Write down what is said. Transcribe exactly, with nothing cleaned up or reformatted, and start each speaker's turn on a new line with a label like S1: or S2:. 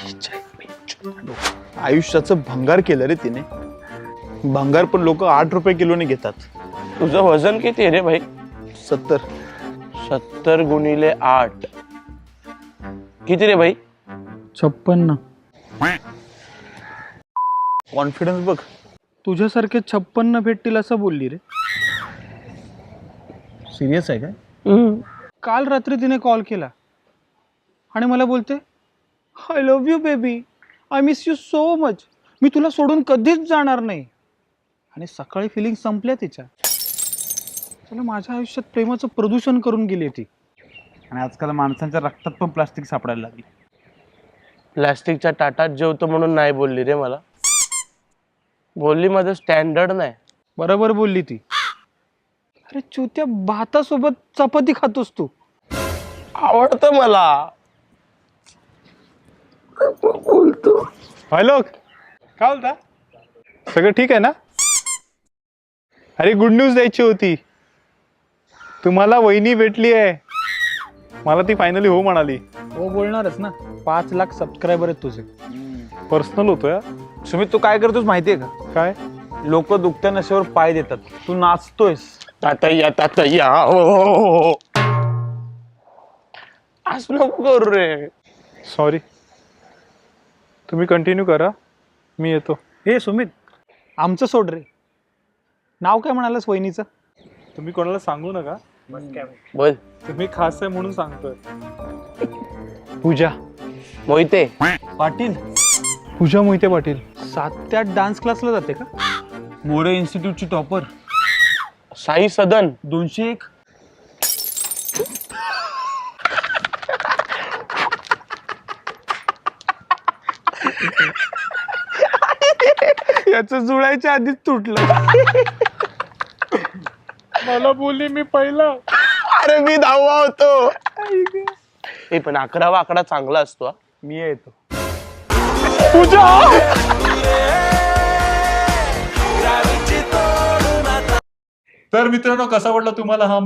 S1: आयुष्याचं भंगार केलं रे तिने. भंगार पण लोक आठ रुपये किलोने घेतात.
S2: तुझं वजन किती आहे रे भाई?
S1: सत्तर.
S2: सत्तर गुणिले आठ किती रे भाई?
S3: छप्पन्न.
S1: कॉन्फिडन्स बघ.
S3: तुझ्यासारखे छप्पन्न भेटतील असं बोलली रे.
S1: सिरियस आहे काय?
S3: काल रात्री तिने कॉल केला आणि मला बोलते I love you baby, I miss you so much, मी तुला सोडून कधीच जाणार नाही. आणि सकाळी फिलिंग संपल्या तिच्या. चला माझ्या आयुष्यात प्रेमाचं प्रदूषण करून गेली ती.
S4: आणि आजकाल माणसांच्या रक्तात पण प्लास्टिक सापडायला लागली.
S2: प्लास्टिकच्या ताटात जेवतो म्हणून नाही बोलली रे मला. बोलली माझं स्टँडर्ड नाही.
S3: बरोबर बोलली ती. अरे चुत्या, भातासोबत चपाती खातोस तू.
S2: आवडतं मला. बोलतो.
S1: हॅलो, काय बोलता? सगळं ठीक आहे ना? अरे गुड न्यूज द्यायची होती. तुम्हाला वहिनी भेटली आहे. मला ती फायनली हो म्हणाली.
S3: हो बोलणारच ना. पाच लाख सबस्क्रायबर आहेत तुझे.
S1: पर्सनल होतो या.
S4: सुमित, तू काय करतोस माहितीये का?
S1: काय?
S4: लोक दुखत्या नशेवर पाय देतात, तू नाचतोयस.
S2: तातय्या तातय्या हो हो हो. असं नको करू रे.
S1: सॉरी. तुम्ही कंटिन्यू करा, मी येतो.
S3: हे सुमित, आमचं सोड रे. नाव काय म्हणालस वहिनीचं?
S1: तुम्ही कोणाला सांगू नका.
S2: बोल.
S1: तुम्ही खास आहे म्हणून सांगतोय. पूजा
S2: मोहिते
S4: पाटील.
S1: पूजा मोहिते पाटील.
S3: सात ते आठ डान्स क्लासला जाते का?
S4: मोरे इन्स्टिट्यूटची टॉपर.
S2: साई सदन.
S4: दोनशे एक.
S3: याचं जुळायच्या आधीच तुटलं.
S1: मला बोलली मी पहिला.
S2: अरे मी दहावा होतो. हे पण अकरावा आकडा चांगला असतो हा.
S1: मी येतो. पूजा. तर मित्रांनो, कसा वाटला तुम्हाला हा